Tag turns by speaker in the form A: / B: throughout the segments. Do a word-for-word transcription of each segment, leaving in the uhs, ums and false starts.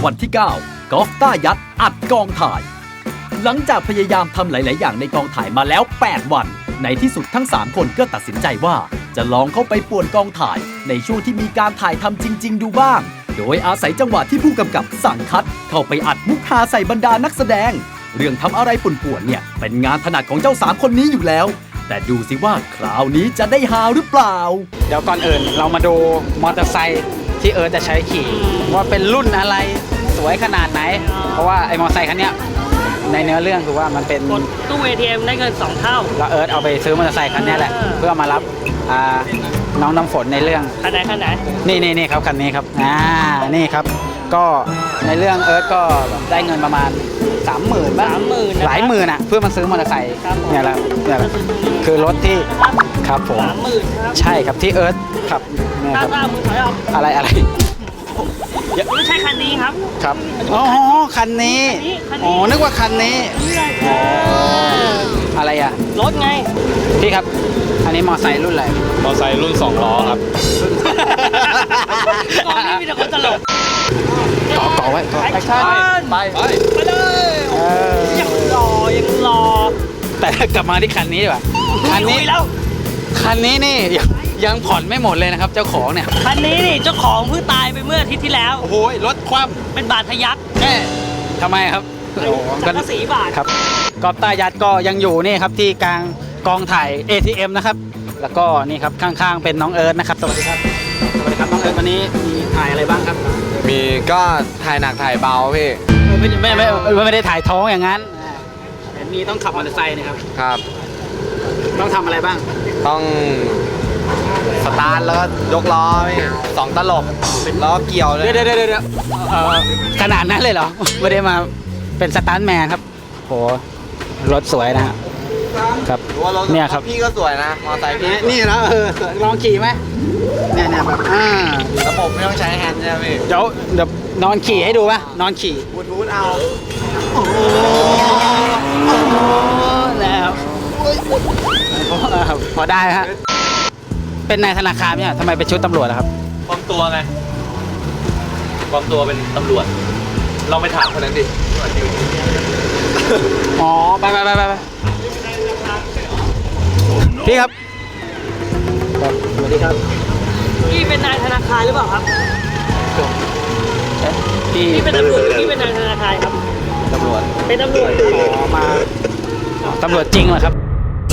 A: วันที่ เก้า กอล์ฟต้ายัดอัดกองถ่ายหลังจากพยายามทำหลาย ๆ อย่างในกองถ่ายมาแล้ว แปด วันในที่สุดทั้ง สาม คนก็ตัดสินใจว่าจะลองเข้าไปป่วนกองถ่ายในช่วงที่มีการถ่ายทำจริง ๆ ดูบ้างโดยอาศัยจังหวะที่ผู้กำกับสั่งคัดเข้าไปอัดมุกฮาใส่บรรดานักแสดงเรื่องทำอะไรป่วนๆเนี่ยเป็นงานถนัดของเจ้าสามคนนี้อยู่แล้วแต่ดูสิว่าคราวนี้จะได้ฮาหรือเปล่า
B: เดี๋ยวก่อนอื่นเรามาดูมอเตอร์ไซค์ที่เอิร์ธจะใช้ขี่ว่าเป็นรุ่นอะไรสวยขนาดไหนเพราะว่าไอ้มอเตอร์ไซค์คันนี้ในเนื้อเรื่องคือว่ามันเป็น
C: ตู้ เอ ที เอ็ม ได้เงินสองเท่า
B: แล้วเอิร์ธเอาไปซื้อมอเตอร์ไซค์คันนี้แหละเพื่อมารับน้องน้ำฝนในเรื่อง
C: คันไหนคันไหน
B: นี่นี่นี่ครับคันนี้ครับอ่านี่ครับก็ในเรื่องเอิร์ธก็ได้เงินประมาณสามหมื่นบ้างหลายหมื่นอ่ะเพื่อมาซื้อมอเตอร์ไซค์เนี่ยแหละเนี่ยแหละคือรถที่ครับผม
C: สามหมื่นครับ
B: ใช่ครับที่เอิร์ธขับเนี่ยครับอะไรอะไร
C: ไม่ใช่คันนี้ครับ
B: ครับอ๋อคันนี้อ๋อนึกว่าคันนี้อะไรอ่ะ
C: รถไง
B: พี่ครับอันนี้มอไซค์รุ่นอะไร
D: มอไซค์รุ่นสองล้อครับ
C: กองนี้มีแต่คนตลก
B: เกาะเกาะไว้เกาะ
C: แอคชั่นไป
D: ไป
C: ไปเลยยังรอยังรอ
B: แต่กลับมาที่คันนี้ดีกว่าคันนี้
C: แล้ว
B: คันนี้นี่ยังผ่อนไม่หมดเลยนะครับเจ้าของเนี่ย
C: คันนี้นี่เจ้าของเพิ่งตายไปเมื่ออาทิตย์ที่แล้ว
B: โอ้โหรถคว่
C: ำเป็นบาดทะยัก
B: แม่ทำไมครับ
C: สังกะสีบาท
B: ครับกอล์ฟต้ายัดก็ยังอยู่นี่ครับที่กลางกองถ่าย เอ ที เอ็ม นะครับแล้วก็นี่ครับข้างๆเป็นน้องเอิร์ธนะครับสวัสดีครับสวัสดีครับน้องเอิร์ธวันนี้มีถ่ายอะไรบ้างครับ
D: มีก็ถ่ายหนักถ่ายเบาพี่
B: ไม่ไม่ไม่ไม่ได้ถ่ายท้องอย่างนั้นเห็นมีต้องขับมอเตอร์ไซค์นะครับ
D: ครับ
B: ต้องทำอะไรบ้าง
D: ต้องสตาร์ทแล้วยกล้อพี่สองตลบล้อเกี่ยวเลย
B: เดี๋ยวเดี๋ยวเดี๋ยวขนาดนั้นเลยเหรอไม่ได้มาเป็นสตาร์ทแมนครับโหรถสวยนะฮะครับเนี่ยครับ
D: พี่ก็สวยนะมอเตอร์ไซค์พี่
B: นี่นะเออลองขี่ไหมเนี่ยเนี่ยแบบอ่า
D: ระบบไม่ต้องใช้แฮนด์ใช่ไหมพี่
B: เดี๋ยวเดี๋ยวนอนขี่ให้ดูป่ะนอนขี่
D: บูทูธเอา
B: โอ้โหแล้วพอได้ฮะเป็นนายธนาคารเนี่ยทำไมเป็นชุดตำรวจครับ
D: ปลอมตัวไงปลอมตัวเป็นตำรวจลองไปถามคนนั้นดิ
B: อ๋อไปไปไปไปพี่ครับสวัสดีครับ
C: พี่เป็นนายธนาคารหรือเปล่าครับ
B: พี่
C: พี่เป็นตำรวจพี่เป็นนายธนาคารครับ
D: ตำรวจ
C: เป็นตำรวจ
B: อ๋อมาตำรวจจริงเหรอครับ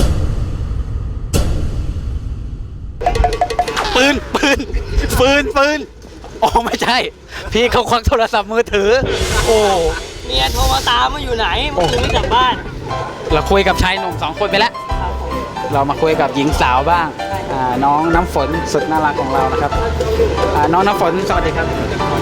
B: ปืนปืนปืนปืนอ๋อไม่ใช่พี่เขาควักโทรศัพท์มือถือโอ้
C: เมียโทรมาตามมาอยู่ไหนเมื่อคืนไม่กลับบ้าน
B: เราคุยกับชายหนุ่มสองคนไปแล้วเรามาคุยกับหญิงสาวบ้างน้องน้ำฝนสุดน่ารักของเรานะครับน้องน้ำฝนสวัสดีครับ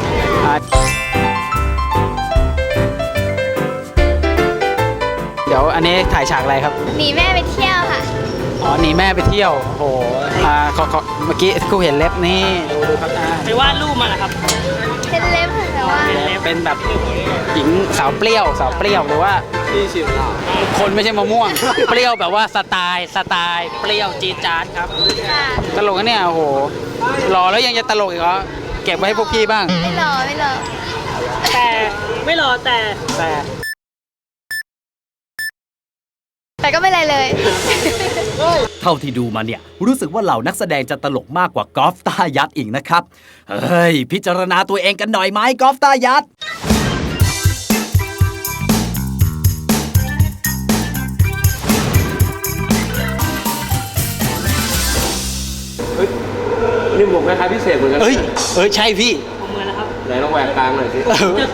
B: เดี๋ยวอันนี้ถ่ายฉากอะไรครับ
E: หนีแม่ไปเที่ยวค่ะ
B: อ๋อหนีแม่ไปเที่ยวโอ้โหอ่าเมื่อกี้กูเห็นเล็บนี่ดูดูครับ
C: ไปวาดรูปมาเหรอครับ
E: เป็นเล็บแต่ว่า
B: เป็นแบบหญิงสาวเปรี้ยวสาวเปรี้ยวหรือว่า
D: ที่ชิมหรอ
B: คนไม่ใช่มะม่วงเปรี้ยวแบบว่าสไตล์สไตล์เปรี้ยวจี๊ดจ๊าดครับตลกนะเนี่ยโอ้โหหล่อแล้วยังจะตลกอีกเหรอเก็บไว้ให้พวกพี่บ้าง
E: ไม่หล่อไม่หล่อ
C: แต่ไม่หล่อแต่
B: แต่
E: แต่ก็ไม่ไรเลย
A: เท่าที่ดูมาเนี่ยรู้สึกว่าเหล่านักแสดงจะตลกมากกว่ากอล์ฟต้ายัดอีกนะครับเฮ้ยพิจารณาตัวเองกันหน่อยไหมกอล์ฟต้ายัด
D: นี่หมวกคล้ายๆพิเศษเหมือนกัน
B: เอ้ยเอ้ยใช่พี่
C: เหมือนแล้วครับ
D: ไหนลองแหวกกลางหน่อยสิ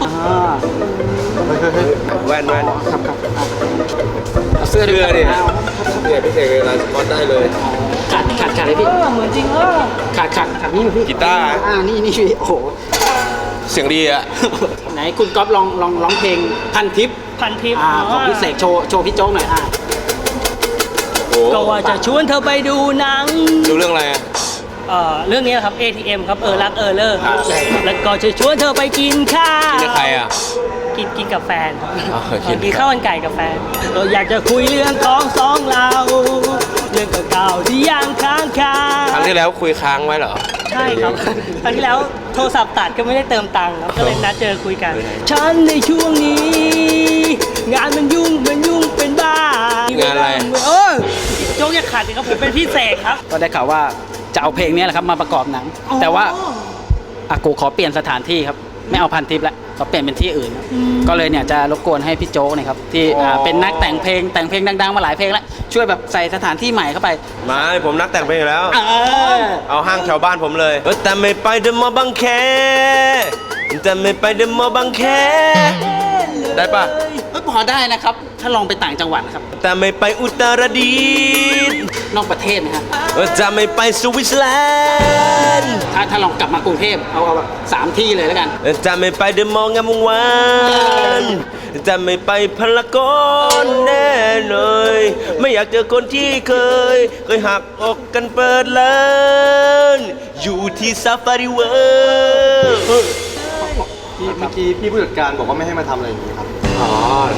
D: แว่นแว่น
B: ครับครับ
D: เสื้อดิเสื้อพิเศษเลยลายสก๊อตได้เลย
B: ขาดขาดขาดเลยพี่
C: เหมือนจริงเออ
B: ขาดขาดขาดนี่พี่
D: กีตาร์
B: อ่านี่นี่พี่โอ้โห
D: เสียงดีอะ
B: ไหนคุณก๊อฟลองลองร้องเพลงพันทิป
C: พันทิป
B: ของพี่เสกโชว์โชว์พี่โจ๊กหน่อยอ่ะ
C: ก็ว่าจะชวนเธอไปดูหนัง
D: ดูเรื่องอะไรอะ
C: เอ่อเรื่องนี้ครับ เอ ที เอ็ม ครับเออรักเออเลิกแล้วก็จะชวนเธอไปกินข้าว
D: กินกับใครอ่ะ
C: กินกินกับแฟนกินข้าวมันไก่กับแฟนเราอยากจะคุยเรื่องของสองเราเรื่องเก่าๆที่ยังค้างคา
D: ครั้งที่แล้วคุยค้างไว้เหรอ
C: ใช่ครับครั้งที่แล้วโทรศัพท์ตัดก็ไม่ได้เติมตังค์ครับก็เลยนัดเจอคุยกัน ฉันในช่วงนี้ งานมันยุ่งมันยุ่งเป็นบ้าง
D: านอะไร
C: เออโจ๊กอย่าขัดสิครับผมเป็นพี่เสกครับ
B: ก็ได้ข่าวว่าจะเอาเพลงนี้แหละครับมาประกอบหนัง แต่ว่าอากูขอเปลี่ยนสถานที่ครับไม่เอาพันทิปแล้วขอเปลี่ยนเป็นที่อื่น ก็เลยเนี่ยจะรบกวนให้พี่โจ๊กเนี่ยครับที่อ่าเป็นนักแต่งเพลงแต่งเพลงดังๆมาหลายเพลงแล้วช่วยแบบใส่สถานที่ใหม่เข้าไป
D: มาผมนักแต่งเพลงอยู่แล้ว
B: เออ
D: เอาห้างแถวบ้านผมเลยเออแต่ไม่ไปเดอะมอลล์บางแคแต่ไม่ไปเดอะมอลล์บางแคได้ปะ
B: เอ้ยพอได้นะครับ ถ้าลองไปต่างจังหวัดนะครับ
D: แต่ไม่ไปอุตรดิตถ์
B: นอกประเทศนะครับ
D: เออจะไม่ไปสวิตเซอร์แลนด์
B: ถ้าถ้าลองกลับมากรุงเทพเอาเอาแบบสามที่เลยแล้วกัน
D: เออจะไม่ไปเดอะมอลล์งามวงวานจะไม่ไปพารากอนแน่เลยไม่อยากเจอคนที่เคย เคยหักอกกันเปิดเลินอยู่ที่ซาฟารีเวิร์
F: พี่เมื่อกี้พี่ผู้จัดการบอกว่าไม่ให้มาทำอะไรอย่างนี้ครับ
D: อ๋อ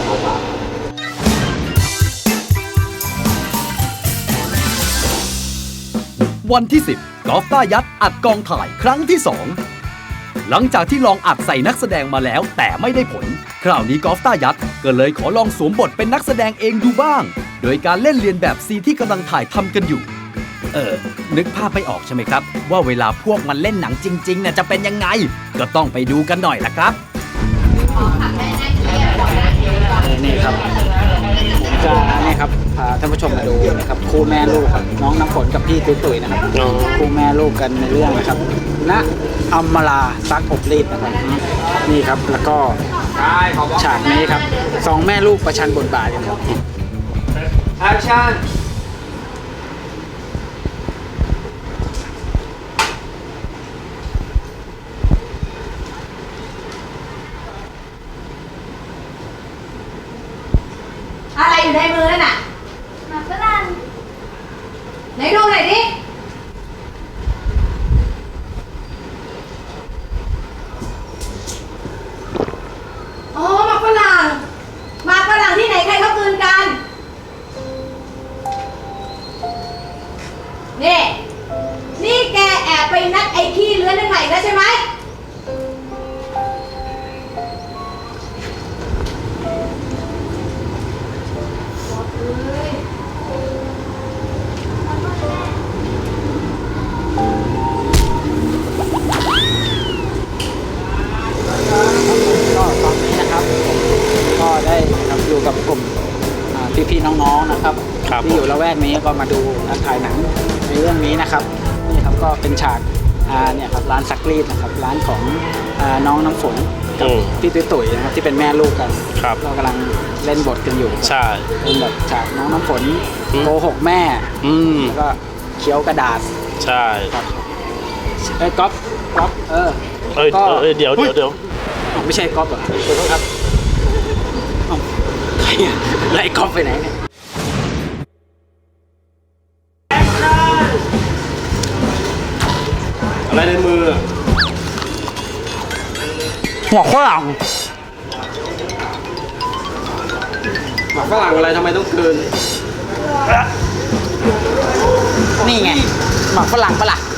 A: วันที่ สิบ กอล์ฟต้ายัดอัดกองถ่ายครั้งที่ สอง หลังจากที่ลองอัดใส่นักแสดงมาแล้วแต่ไม่ได้ผล คราวนี้กอล์ฟต้ายัดก็เลยขอลองสวมบทเป็นนักแสดงเองดูบ้าง โดยการเล่นเรียนแบบซีนที่กำลังถ่ายทำกันอยู่ เออ นึกภาพไม่ออกใช่ไหมครับ ว่าเวลาพวกมันเล่นหนังจริงๆเนี่ยจะเป็นยังไง ก็ต้องไปดูกันหน่อยละครับ
B: นี่ครับผมจะนี่ครับพาท่านผู้ชมมาดูนะครับคู่แม่ลูกครับน้องน้ำฝนกับพี่ตุ้ยตุ้ยนะครับคู่แม่ลูกกันในเรื่องนะครับณอัมมาลาซักอบรีดนะครับนี่ครับแล้วก็ฉากนี้ครับสองแม่ลูกประชันบทบาทกันครับ
D: แอคชั่น
G: อะไรอยู่ในมือนั่นน่ะ
E: หมาฝรั่ง
G: ไหนดูหน่อยดิ อ๋อหมากฝรั่งหมากฝรั่งที่ไหนใครเขากลืนกัน นี่ นี่แกแอบไปนัดไอ้ขี้เลื้อนนั่นใหม่แล้วใช่ไหม
B: ก็ตอนนี้นะครับผมก็ได้นะครับอยู่กับกลุ่มอ่าพี่ๆน้องๆนะครับที่อยู่ละแวกนี้ก็มาดูการถ่ายหนังในเรื่องนี้นะครับนี่ครับก็เป็นฉากอ่าเนี่ยครับร้านซักรีดนะครับร้านของอ่าน้องน้ำฝนกับพี่ตุ้ยตุ๋ยนะครับที่เป็นแม่ลูกกันก็กำลังเล่นบทกันอยู่ใช่เป็นแบบฉากน้องน้ำฝนโกหกแม่แล้วก็เคี้ยวกระดาษใช่ครับเอ้ยก๊อฟก๊อฟเออ
H: เอ้ยเอ้ยเดี๋ยวเดี๋ยวเดี๋ยว
B: อ๋อไม่ใช่ก๊อฟเหรอขอโทษครับเอ้าใครอะไล่ก๊อฟไปไหนเนี่ย
H: อะไรในมือ
B: หัวฝรั่ง
H: หมากฝรั่งอะไรทำไมต้องคืน
B: นี่ไงหมากฝรั่งปะล่ะ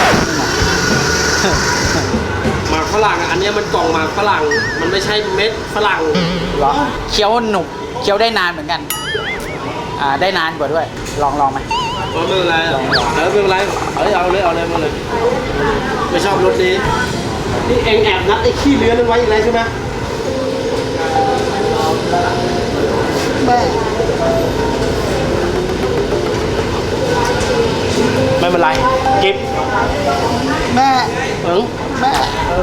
H: หมากฝรั่งอันเนี้ยมันกล่องหมากฝรั่ง มันไม่ใช่เม็ดฝรั่ง
B: เหรอเคี้ยวหนุบเคี้ยวได้นานเหมือนกันอ่าได้นานกว่าด้วยลองลองไหม
H: ไม่เป็นไรเออไม่เป็นไรเอาเลยเอาเลยเอาเลยมาเลย ไม่ชอบรสนี้ นี่เองแอบนัดไอ้ขี้เลื้อนนั้นไว้อีกแล้วใช่ไหม
B: แม่
H: ไม่เป็นไรกิฟ
B: แม่
H: เออ
B: แม่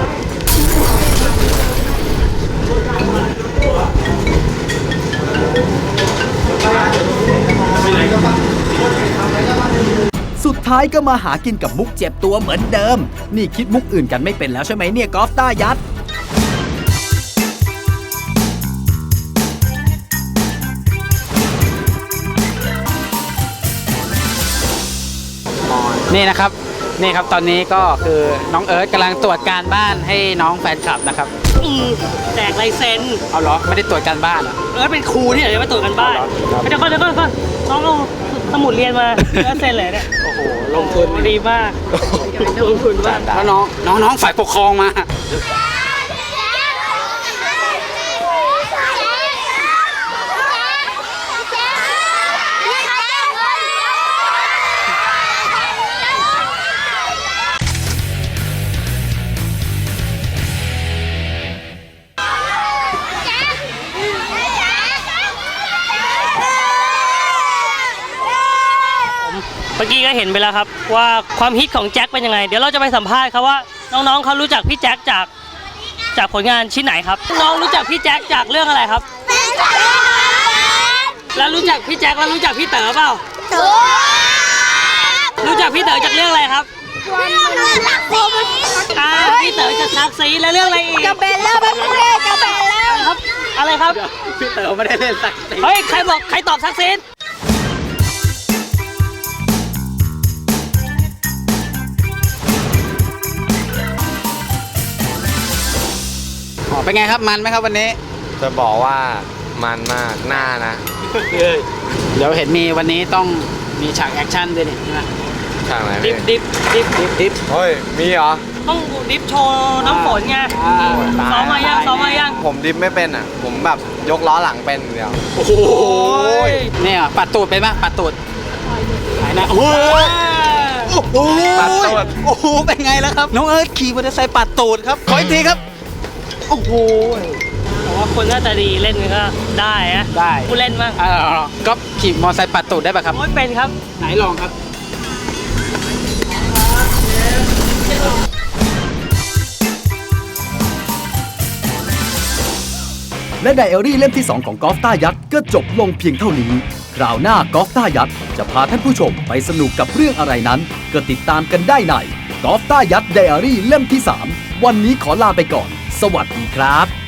A: สุดท้ายก็มาหากินกับมุกเจ็บตัวเหมือนเดิม นี่คิดมุกอื่นกันไม่เป็นแล้วใช่ไหมเนี่ยกอล์ฟต้ายัด
B: นี่นะครับนี่ครับตอนนี้ก็คือน้องเอิร์ธกำลังตรวจการบ้านให้น้องแฟนคลับนะครับ
C: อืมแจกลายเซ็น
B: เอาเหรอไม่ได้ตรวจการบ้านเหรอ
C: เออเป็นครูที่ไหนจะมาตรวจกันบ้าน
B: ครับ
C: เดี๋ยวก่อนเดี๋ยวก่อนเดี๋ยวก่อนน้องเอาสสมุดเรียนมาแล้วเซ็นเลยเนี่ย
B: โอ้โหลงทุน
C: ดีมากลงทุนมาก
B: แล้วน้องน้องน้องฝ่ายปกครองมา
C: เมื่อกี้ก็เห็นไปแล้วครับว่าความฮิตของแจ็คเป็นยังไง เดี๋ยวเราจะไปสัมภาษณ์ครับว่าน้องๆเขารู้จักพี่แจ็คจากจากผลงานชิ้นไหนครับน้องรู้จักพี่แจ็คจากเรื่องอะไรครับ แล้วรู้จักพี่แจ็คแล้วรู้จักพี่เต๋อเปล่ารู้จักพี่เต๋อจากเรื่องอะไรครับอ่าพี่เต๋อจากซักซีแล้วเรื่องอะไรอีก
E: จะเป็นแล้วเป็นเล่จะเป็นแล้ว
C: ครับอะไรครับ
B: พี่เต๋อไม่ได้เล่นสักที
C: เฮ้ยใครบอกใครตอบซักซี
B: อ๋อเป็นไงครับมันไหมครับวันนี้
F: จะบอกว่ามันมากหน้านะ
B: เดี๋ยวเห็นมีวันนี้ต้องมีฉากแอคชั่นด้วยนี่ใช่ไหม
F: ทางไหน
C: ดิ
F: พี่
C: ฟดิฟดิฟ
B: ดิฟดิฟ
F: เฮ้ย มีเหรอ
C: ต้องดิฟโชว์น้ำฝนไง
B: อ่า
C: ซ้อมมายังซ้อมมายัง
F: ผมดิฟไม่เป็นอ่ะ ผมแบบยกล้อหลังเป็นเดียว
B: โอ้โหเนี่ยปัดตูดเป็นปะปัดตูดไหนนะโอ้โหโอ้โห
F: ปัดตูด
B: โอ้โหเป็นไงแล้วครับน้องเอิร์ธขี่มอเตอร์ไซค์ปัดตูดครับขออีกทีครับโอ้โห
C: แต่ว่าคนหน้าตาดีเล่นก็ได้อะ
B: ได้
C: ผู้เล่นบ้าง
B: อ่าก็ขี่มอเตอร์ไซค์ปัดตูดได้ปะครับ
C: โอ้ยเป็นครับ
B: ไหนลองครับ
A: และไดอารี่เล่มที่ สอง ของกอล์ฟต้ายัดก็จบลงเพียงเท่านี้ คราวหน้ากอล์ฟต้ายัดจะพาท่านผู้ชมไปสนุกกับเรื่องอะไรนั้น ก็ติดตามกันได้ในกอล์ฟต้ายัดไดอารี่เล่มที่ สาม วันนี้ขอลาไปก่อน สวัสดีครับ